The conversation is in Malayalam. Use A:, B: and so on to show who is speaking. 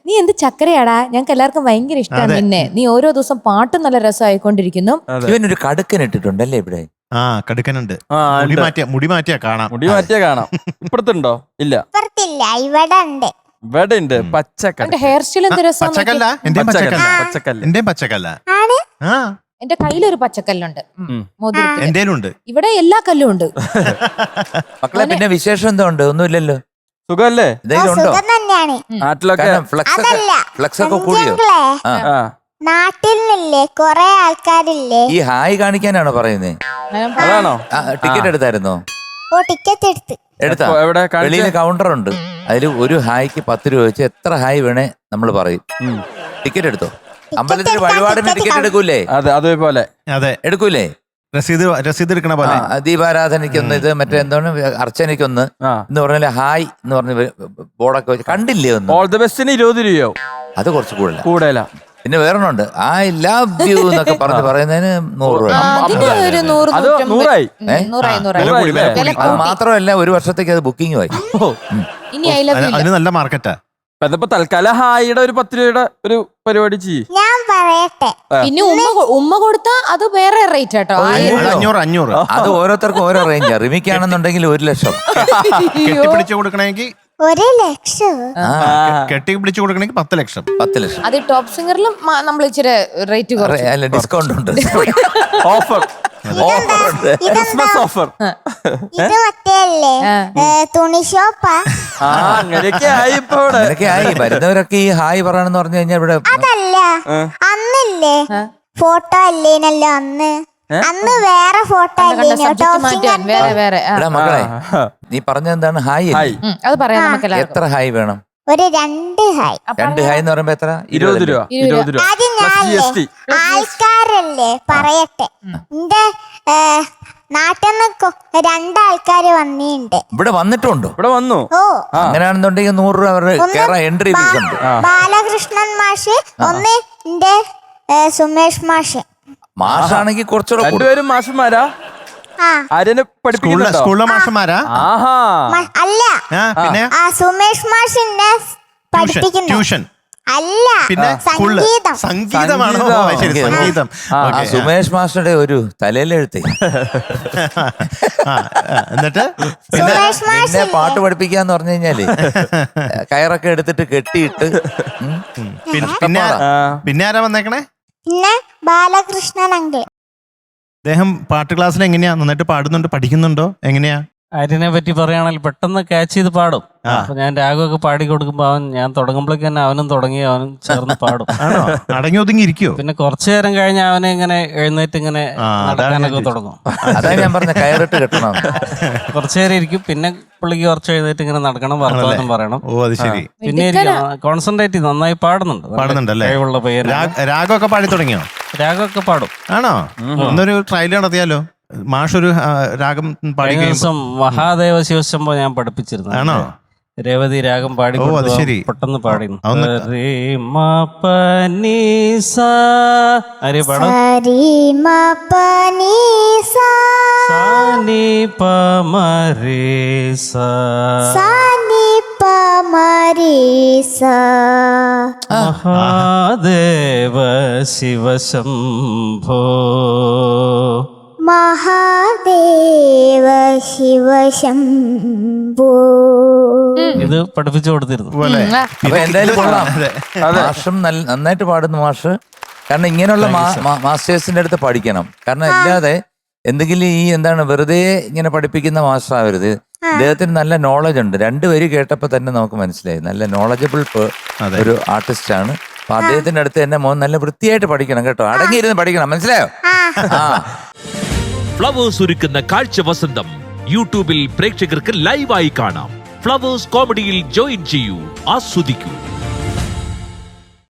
A: നീ എന്ത് ചക്കരയാടാ, ഞങ്ങൾക്ക് എല്ലാവർക്കും ഭയങ്കര ഇഷ്ടമാണ് നിന്നെ. നീ ഓരോ ദിവസം പാട്ടും നല്ല രസമായിക്കൊണ്ടിരിക്കുന്നു.
B: ഇവനൊരു കടുക്കൻ ഇട്ടിട്ടുണ്ടല്ലേ ഇവിടെ?
C: ആ കടുക്കനുണ്ട്. മുടി മാറ്റിയാ കാണാം.
D: ഇപ്പുറത്തുണ്ടോ? ഇല്ല,
E: ഇവിടെ ഉണ്ട്.
D: ഇവിടെ ഉണ്ട് പച്ചക്കല്ല.
A: ഹെയർ സ്റ്റൈൽ എന്ത് രസം.
C: പച്ചക്കല്ല, എന്റെ
D: പച്ചക്കല്ല.
C: എന്റെ പച്ചക്കല്ല.
A: എന്റെ കയ്യിലൊരു പച്ചക്കല്ലുണ്ട്,
C: എന്തേലുണ്ട്.
A: ഇവിടെ എല്ലാ കല്ലും ഉണ്ട്.
B: മക്കളെ പിന്നെ വിശേഷം എന്തോ ഉണ്ട്? ഒന്നുമില്ലല്ലോ,
D: സുഖല്ലേ?
B: നാട്ടിലൊക്കെ ഫ്ലക്സ് ഒക്കെ കൂടിയോ?
E: നാട്ടിൽ നിന്നില്ലേ കൊറേ ആൾക്കാരില്ലേ?
B: ഈ ഹായ് കാണിക്കാനാണോ പറയുന്നേ?
D: അതാണോ?
B: ടിക്കറ്റ് എടുത്തായിരുന്നോ?
E: ഓ ടിക്കറ്റ്
B: എടുത്താ? വെളിയിൽ കൗണ്ടർ ഉണ്ട്, അതിൽ ഒരു ഹായ്ക്ക് 10 രൂപ വെച്ച് എത്ര ഹായ് വേണേ നമ്മൾ പറയും. ടിക്കറ്റ് എടുത്തോ? അമ്പലത്തിൽ വഴിപാടിന് ടിക്കറ്റ് എടുക്കൂലേ?
D: അതെ, അതേപോലെ.
C: അതെ,
B: എടുക്കൂലേ?
C: രസീത് എടുക്കണ പോലെ.
B: ദീപാരാധനയ്ക്കൊന്ന്, ഇത് മറ്റേ എന്താണ് അർച്ചനയ്ക്കൊന്ന് എന്ന് പറഞ്ഞാല് ഹായ് എന്ന് പറഞ്ഞ് ബോർഡൊക്കെ വെച്ച് കണ്ടില്ലേ? ഒന്ന്
D: ഓൾ ദി ബെസ്റ്റിന് 20 രൂപയോ?
B: അത് കുറച്ച് കൂടുതലാ. പിന്നെ വേറൊന്നുണ്ട്, ഐ ലവ് യു എന്നൊക്കെ പറയുന്നതിന് 100 രൂപ. അത് മാത്രമല്ല, ഒരു വർഷത്തേക്ക് അത് ബുക്കിംഗ് ആയി.
C: അതിന് നല്ല മാർക്കറ്റാ.
D: അതിപ്പോ തൽക്കാലം ഹായിയുടെ ഒരു 10 രൂപയുടെ ഒരു പരിപാടി ചെയ്യും.
E: ഞാൻ പറയട്ടെ,
A: പിന്നെ ഉമ്മ കൊടുത്താ അത് വേറെ റേറ്റ് കേട്ടോ.
C: 500.
B: അത് ഓരോരുത്തർക്കും ഓരോ റേഞ്ച്. റിമിക്കാണെന്നുണ്ടെങ്കിൽ 1 ലക്ഷം.
C: കെട്ടിപ്പിടിച്ചു കൊടുക്കണമെങ്കിൽ
E: 1 ലക്ഷം.
C: കെട്ടിപ്പിടിച്ചു കൊടുക്കണമെങ്കിൽ 10 ലക്ഷം.
B: 10 ലക്ഷം.
A: അത് ടോപ്പ് സിംഗറിലും നമ്മൾ ഇച്ചിരി റേറ്റ്
B: അല്ല, ഡിസ്കൗണ്ട് ഉണ്ട്.
D: Offer, Christmas offer.
E: ഇത് മറ്റേല്ലേ തുണി ഷോപ്പാ?
D: അങ്ങനെയൊക്കെ ആയി. ഇപ്പൊ
B: ആയി വരുന്നവരൊക്കെ ഈ ഹായ് പറയണെന്ന് പറഞ്ഞു കഴിഞ്ഞാൽ ഇവിടെ
E: അതല്ല, അന്നില്ലേ ഫോട്ടോ അല്ലേനല്ലോ അന്ന് വേറെ ഫോട്ടോ
B: മക്കളെ, നീ പറഞ്ഞെന്താണ് ഹായ്?
A: അത് പറയാം നമുക്ക്.
B: എത്ര ഹായ് വേണം?
E: ഒരു 2 ഹായ്.
B: 2 ഹായ് എന്ന് പറയുമ്പോ എത്ര?
D: 20 രൂപ.
E: ആൾക്കാരല്ലേ പറയട്ടെ, എന്റെ നാട്ടിൽ നിന്ന് 2 ആൾക്കാര് വന്നിട്ടുണ്ട്.
B: ഇവിടെ വന്നിട്ടുണ്ടോ?
D: ഇവിടെ വന്നു.
E: ഓ,
B: അങ്ങനെയാണെന്നുണ്ടെങ്കിൽ 100 രൂപ അവരുടെ എൻട്രി ഫീസ് ഉണ്ട്.
E: ബാലകൃഷ്ണൻ മാഷ്, ഒന്ന് എന്റെ സുമേഷ് മാഷ്.
B: മാഷാണെങ്കിൽ കുറച്ചുകൂടെ.
D: രണ്ടുപേരും മാഷന്മാരാ? ആര്യനെ പഠിപ്പിക്കുന്ന
C: സ്കൂളിലെ മാഷന്മാരാ?
E: അല്ല,
C: പിന്നെ
E: സുമേഷ് മാഷിനെ പഠിപ്പിക്കുന്ന
C: ട്യൂഷൻ
E: അല്ല,
C: പിന്നെ സംഗീതമാണോ? സംഗീതം.
B: സുമേഷ് മാസ്റ്ററുടെ ഒരു തലയിലെഴുത്തേ.
C: എന്നിട്ട്
B: പിന്നെ പാട്ട് പഠിപ്പിക്കാന്ന് പറഞ്ഞു കഴിഞ്ഞാല് കയറൊക്കെ എടുത്തിട്ട് കെട്ടിയിട്ട്.
C: പിന്നെ ആരാ വന്നേക്കണേ?
E: പിന്നെ ബാലകൃഷ്ണൻ അങ്കിൾ.
C: അദ്ദേഹം പാട്ട് ക്ലാസ്സിൽ എങ്ങനെയാ? നന്നായിട്ട് പാടുന്നുണ്ട്, പഠിക്കുന്നുണ്ടോ? എങ്ങനെയാ?
F: ആര്യനെ പറ്റി പറയുകയാണെങ്കിൽ പെട്ടെന്ന് ക്യാച്ച് ചെയ്ത് പാടും. അപ്പൊ ഞാൻ രാഗമൊക്കെ പാടി കൊടുക്കുമ്പോ ഞാൻ തുടങ്ങുമ്പോഴേക്ക് തന്നെ അവനും ചേർന്ന് പാടും.
C: അടങ്ങി ഒതുങ്ങി ഇരിക്കോ?
F: പിന്നെ കുറച്ചു നേരം കഴിഞ്ഞ് അവനെ ഇങ്ങനെ എഴുന്നേറ്റ് ഇങ്ങനെ നടക്കാനൊക്കെ തുടങ്ങും.
B: ഞാൻ പറഞ്ഞ കയറിട്ട് കെട്ടണം.
F: കുറച്ചു നേരം ഇരിക്കും, പിന്നെ പുള്ളിക്ക് കുറച്ച് എഴുന്നേറ്റ് ഇങ്ങനെ നടക്കണം, വർത്തമാനം പറയണം.
C: ഓ, അത് ശരി.
F: പിന്നെ കോൺസെൻട്രേറ്റ് നന്നായി പാടുന്നുണ്ടല്ലേ? കഴിവുള്ള പേര്.
C: രാഗമൊക്കെ പാടി തുടങ്ങിയോ?
F: രാഗമൊക്കെ പാടും.
C: ആണോ? ഒന്നൊരു ട്രയൽ നടത്തിയാലോ? മാഷൊരു രാഗം പാടി.
F: മഹാദേവ ശിവശംഭോ ഞാൻ പഠിപ്പിച്ചിരുന്നു.
C: ആണോ?
F: രേവതി രാഗം പാടി പെട്ടെന്ന് പാടി. മഹാദേവ ശിവശംഭോ
E: മഹാദേവ ശിവശംഭോ.
F: ഇത് പഠിപ്പിച്ചു കൊടുത്തിരുന്നു.
B: എന്തായാലും കൊള്ളാം. മാഷും നന്നായിട്ട് പാടുന്നു മാഷ്. കാരണം ഇങ്ങനെയുള്ള മാസ്റ്റേഴ്സിന്റെ അടുത്ത് പഠിക്കണം. കാരണം അല്ലാതെ എന്തെങ്കിലും ഈ എന്താണ് വെറുതെ ഇങ്ങനെ പഠിപ്പിക്കുന്ന മാസ്റ്റർ ആവരുത്. അദ്ദേഹത്തിന് നല്ല നോളജ് ഉണ്ട്. 2 വരി കേട്ടപ്പോ തന്നെ നമുക്ക് മനസ്സിലായി നല്ല നോളജബിൾ ഒരു ആർട്ടിസ്റ്റ് ആണ്. അപ്പൊ അദ്ദേഹത്തിന്റെ അടുത്ത് തന്നെ മോൻ നല്ല വൃത്തിയായിട്ട് പഠിക്കണം കേട്ടോ. അടങ്ങിയിരുന്ന് പഠിക്കണം, മനസ്സിലായോ?
G: ഫ്ലവേഴ്സ് ഒരുക്കുന്ന കാഴ്ച വസന്തം യൂട്യൂബിൽ പ്രേക്ഷകർക്ക് ലൈവായി കാണാം. ഫ്ലവേഴ്സ് കോമഡിയിൽ ജോയിൻ ചെയ്യൂ, ആസ്വദിക്കൂ.